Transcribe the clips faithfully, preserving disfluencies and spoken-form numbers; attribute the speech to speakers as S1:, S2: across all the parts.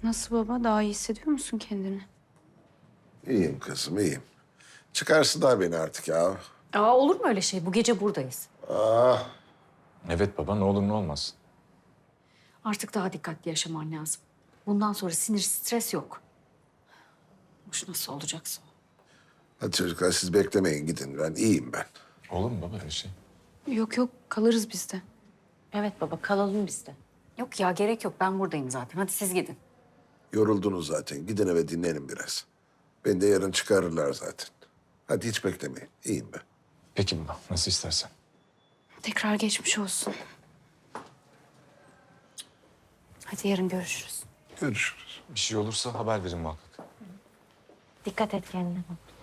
S1: Nasıl baba? Daha iyi hissediyor musun kendini?
S2: İyiyim kızım, iyiyim. Çıkarsınlar beni artık ya.
S3: Aa, olur mu öyle şey? Bu gece buradayız.
S2: Ah,
S4: Evet baba, ne olur ne olmaz.
S3: Artık daha dikkatli yaşaman lazım. Bundan sonra sinir, stres yok. Hoş nasıl olacaksa.
S2: hadi çocuklar siz beklemeyin, gidin. Ben iyiyim ben.
S4: Olur mu baba öyle şey?
S1: Yok yok, kalırız biz de.
S3: Evet baba, kalalım biz de. Yok ya, gerek yok. Ben buradayım zaten. Hadi siz gidin.
S2: Yoruldunuz zaten. Gidin eve dinlenin biraz. Beni de yarın çıkarırlar zaten. Hadi hiç beklemeyin. İyiyim ben.
S4: Peki baba, nasıl istersen.
S1: Tekrar geçmiş olsun. Hadi yarın görüşürüz.
S2: Görüşürüz.
S4: Bir şey olursa haber verin muhakkak.
S3: Dikkat et kendine.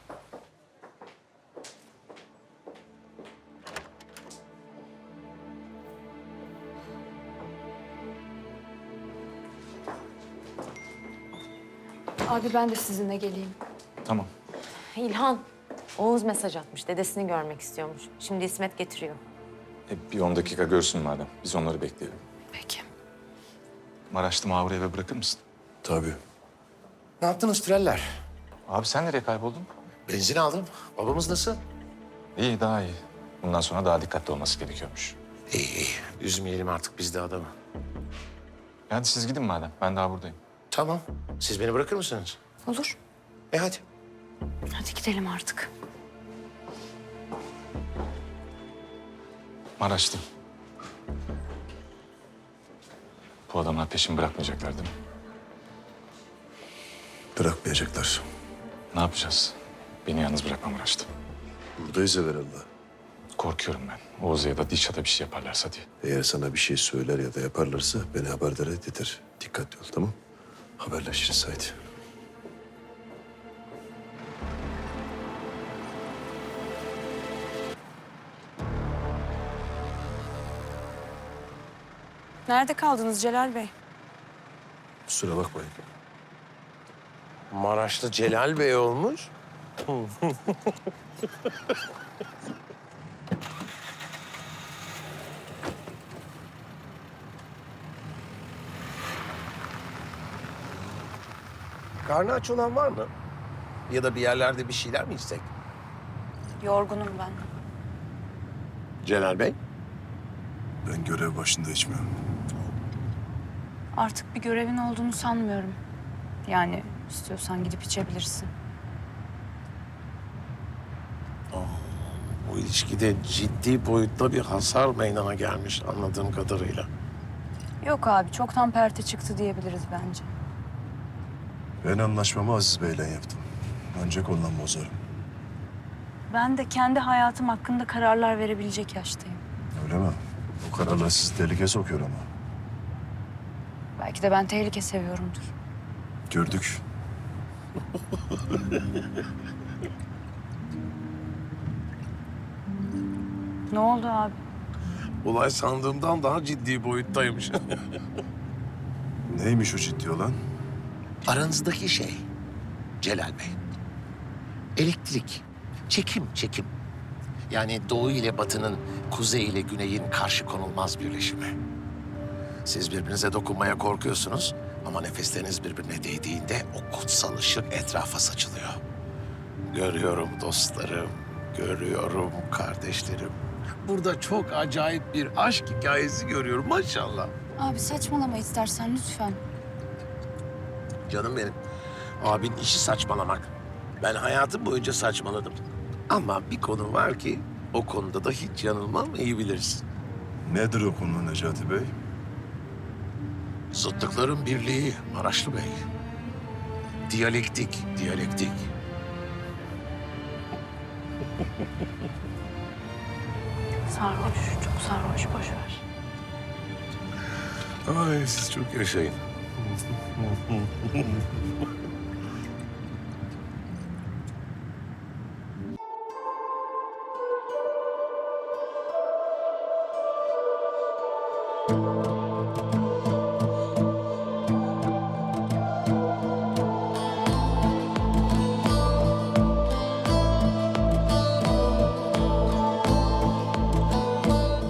S1: Abi ben de sizinle geleyim.
S4: Tamam.
S5: İlhan, Oğuz mesaj atmış. Dedesini görmek istiyormuş. Şimdi İsmet getiriyor.
S4: E, bir on dakika görsün madem. Biz onları bekleyelim.
S1: Peki.
S4: Maraşlı Mahur'u eve bırakır mısın?
S6: Tabii. Ne yaptınız Treller?
S4: Abi sen nereye kayboldun?
S6: Benzin aldım. Babamız nasıl?
S4: İyi, daha iyi. Bundan sonra daha dikkatli olması gerekiyormuş.
S6: İyi iyi. Üzmeyelim artık biz de adamı.
S4: Hadi siz gidin madem. Ben daha buradayım.
S6: Tamam. Siz beni bırakır mısınız?
S1: Olur.
S6: E hadi.
S1: Hadi gidelim artık.
S4: Maraşlı. Bu adamlar peşimi bırakmayacaklar değil mi?
S7: Bırakmayacaklar.
S4: Ne yapacağız? Beni yalnız bırakma Maraşlı.
S7: Buradayız evvelallah.
S4: Korkuyorum ben. Oğuz'a ya da Dişat'a bir şey yaparlarsa diye.
S7: Eğer sana bir şey söyler ya da yaparlarsa beni haberdar et yeter. Dikkatli ol, tamam? Haberleşiriz haydi.
S1: Nerede kaldınız Celal Bey?
S7: Kusura bakmayın.
S6: Maraşlı Celal Bey olmuş. Karnı aç olan var mı? Ya da bir yerlerde bir şeyler mi içsek?
S1: Yorgunum ben.
S6: Celal Bey?
S7: Ben görev başında içmiyorum.
S1: Artık bir görevin olduğunu sanmıyorum. Yani istiyorsan gidip içebilirsin.
S6: Bu ilişkide ciddi boyutta bir hasar meydana gelmiş anladığım kadarıyla.
S1: Yok abi, çoktan perte çıktı diyebiliriz bence.
S7: Ben anlaşmamı Aziz Bey'le yaptım. Ancak ondan bozarım.
S1: Ben de kendi hayatım hakkında kararlar verebilecek yaştayım.
S7: Öyle mi? Bu kararlar sizi tehlikeye sokuyor ama.
S1: Belki de ben tehlike seviyorumdur.
S7: Gördük.
S1: Ne oldu abi?
S6: Olay sandığımdan daha ciddi boyuttaymış.
S7: Neymiş o ciddi olan?
S6: Aranızdaki şey Celal Bey. Elektrik, çekim, çekim. Yani doğu ile batının, kuzey ile güneyin karşı konulmaz birleşimi. Siz birbirinize dokunmaya korkuyorsunuz ama nefesleriniz birbirine değdiğinde o kutsal ışık etrafa saçılıyor. Görüyorum dostlarım, görüyorum kardeşlerim. Burada çok acayip bir aşk hikayesi görüyorum maşallah.
S1: Abi saçmalama istersen lütfen.
S6: Canım benim. Abin işi saçmalamak. Ben hayatım boyunca saçmaladım. Ama bir konu var ki o konuda da hiç yanılmam, iyi bilirsin.
S7: Nedir o konu Necati Bey?
S6: Zıtlıkların birliği Maraşlı Bey. Diyalektik, diyalektik.
S1: Sarhoş, çok sarhoş, boş ver.
S6: Ay siz çok yaşayın.